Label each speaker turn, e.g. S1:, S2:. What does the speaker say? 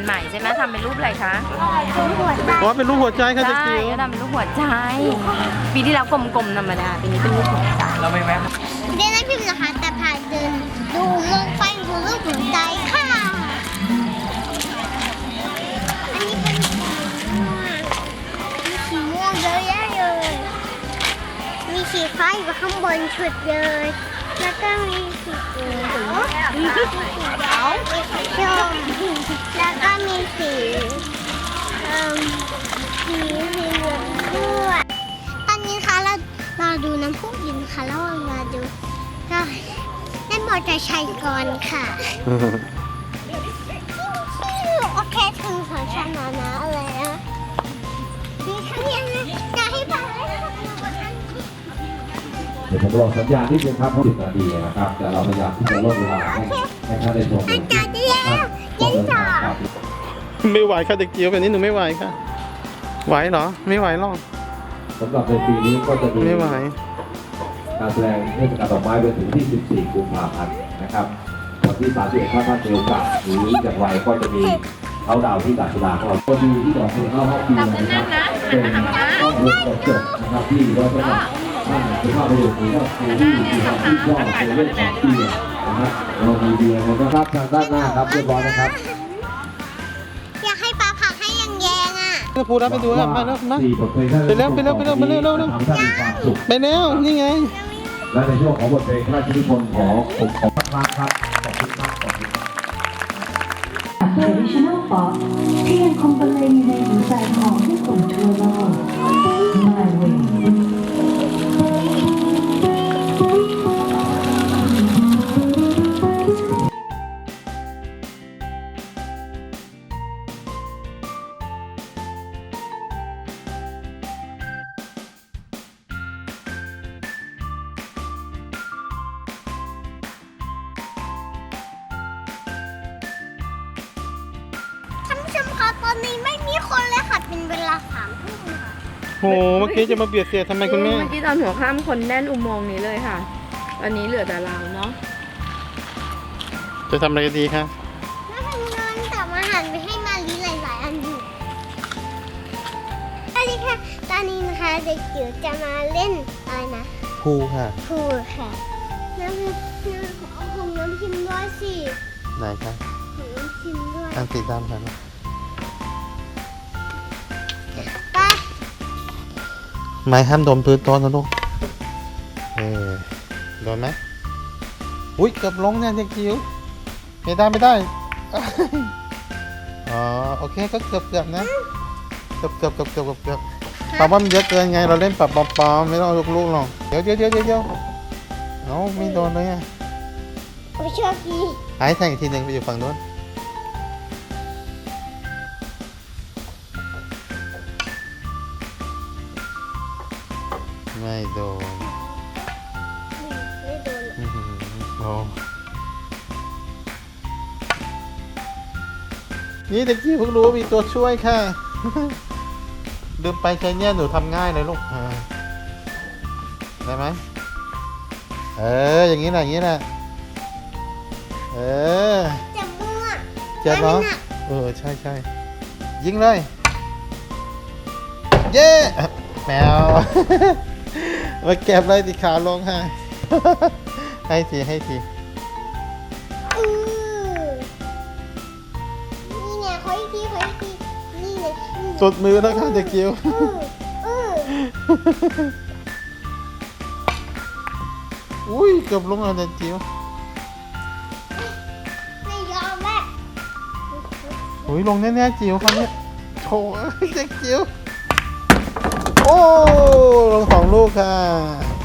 S1: หม่ใช่ไหมทำเป็นรูปอะไรคะ
S2: อ๋อเป็นรูปหัวใจค่ะเด็ก
S1: ใช่
S2: จิ๋ว
S1: ก็ทำเป็นรูปหัวใจปีที่แล้วกลมๆธรรมดาปีนี้เป็นรูปหัวใจ
S3: เราไม่แวะ
S4: เดินได้พิมพ์นะคะแต่ผ่านเดินดูมองไปดูรูปหัวใจค่ะอันนี้เป็นสีม่วงเยอะแยะเลยมีสีฟ้าอยู่ข้างบนชุดเลยแล้วก็มีสีเขียวมีสีเขียวมีสีชมแล้วก็มีสีสีเหลืองด้วยตอนนี้ค่ะเราดูน้ำพุยินค่ะแล้วเรามาดูก็เล่นมอเตอร์ไซค์ก่อนค่ะโอเคถึงสวนสาธารณะอะไรนะมีแค่นี้นะจะให้ฟังเลยนะคะ
S5: เดี๋ยวผมรอสัญญาณนิดนึงครับ10 นาทีนะครับแต่เราพยายามที่จะลดเวลาให้ท่านได้ชม
S4: อาจารย์ได้แล้วเย็นจ๋า
S2: ไม่ไหวค่ะเด็กจิ๋วแบบนี้หนูไม่ไหวค่ะ ไหวเหรอไม่ไหวหรอก
S5: สำหรับในปีนี้ก็จะมี
S2: ไม่ไหว
S5: การแสดงเทศกาลดอกไม้ไปถึงที่ 14 กุมภาพันธ์นะครับวันที่ 31 ถ้าท่านมีโอกาสหรืออย่างไรก็จะมีเขาดาวที่ด่านสุราของเราก็ดูที่ดอกสุราเข้าปีนะครับเป็นต้องเริ่มจบนะครับที่เราจะท่านสุภาพบุรุษหรือว่าครูที่ชอบในเรื่องของเบียร์นะครับเรามีเบียร์นะครับทางด้านหน้าครับเรียบร้อยนะครับ
S4: อยากให้ปลาผักให้ยังแยงอ่ะ
S2: จะพูดแล้วไปดูแล้วไปแล้วนะ ไปเร็วไปเร็วไปเร็วไปเร็วเร็วเร็ว
S5: ทำให้ท่านมีความสุข
S2: ไปแล้วนี่ไง
S5: และในช่วงของบทเพลงพระราชนิพนธ์ของผมขอพระครับขอบคุณมากขอบคุณมาก
S6: Traditional Pop ที่ยังคงบรรเลงอยู่ในหัวใจของผู้คนทั่วโลก My Way
S4: ท่านผู้ชมคะตอนนี้ไม่มีคนเลยค่ะเป็นเวลา3 ทุ่มค่ะ
S2: โหเมื่อกี้จะมาเบียดเสียดทำไมคุณแม่
S1: เมื่อกี้ตอนหัวค่ำคนแน่นอุโมงค์นี้เลยค่ะวันนี้เหลือแต่เราเนาะ
S2: จะทำอะไรดีคะ
S4: แล้วทำงานแต่มาหันไปให้มาลีหลายๆอันอยู่สวัสดีค่ะตอนนี้นะคะเด็กจิ๋วจะมาเล่นอะไรนะ
S2: ภูค่ะ
S4: พูลค่ะน้ำของน้ำพิมพ์ด้วยสิ
S2: ไหนคะ
S4: ของน้ำพิมพ์ด้วย
S2: อันสีดำค่ะ
S4: ไป
S2: ไม้ห้ามโดนพื้นโต๊ะนะลูกโดนไหมอุ้ยเกือบลงเนี่ยเด็กจิ๋วไม่ได้ไม่ได้ อ๋อโอเคก็เกือบนะเกือบปาว่ามันเยอะเกินไงเราเล่นปรับปอมไม่ต้องเอาลูกๆหรอกเดี๋ยวเอาไม่โดนเลยอ่ะ
S4: ไปโชคดี
S2: หายแทงอีกทีหนึ่งไปอยู่ฝั่งโน้นไม่โดน
S4: ไม่โดน
S2: อื้อหือโอ้นี่ตะกี้เพิ่งรู้ว่ามีตัวช่วยค่ะ ลืมไปใช้เนี่ยหนูทำง่ายเลยลูกได้ไหมอย่างนี้แหละอย่างนี้แหละ
S4: จะมั่ว
S2: เจ็บเหรอใช่ยิงเลยเย้แมว มาเก็บเลยติขาลงให้ ให้ที
S4: อือนี่เนี่ยขออีกทีนี่เนี่ย
S2: สุดมือแล้วค่ะเด็กจิ๋ว อุ้ยเกือบลงแล้วเด็กจิ๋ว
S4: ไม่ยอมแม่
S2: อุ้ยลงแน่ๆจิ๋วคราวนี้โถเด็กจิ๋วโอ้ลง2 ลูกค่ะ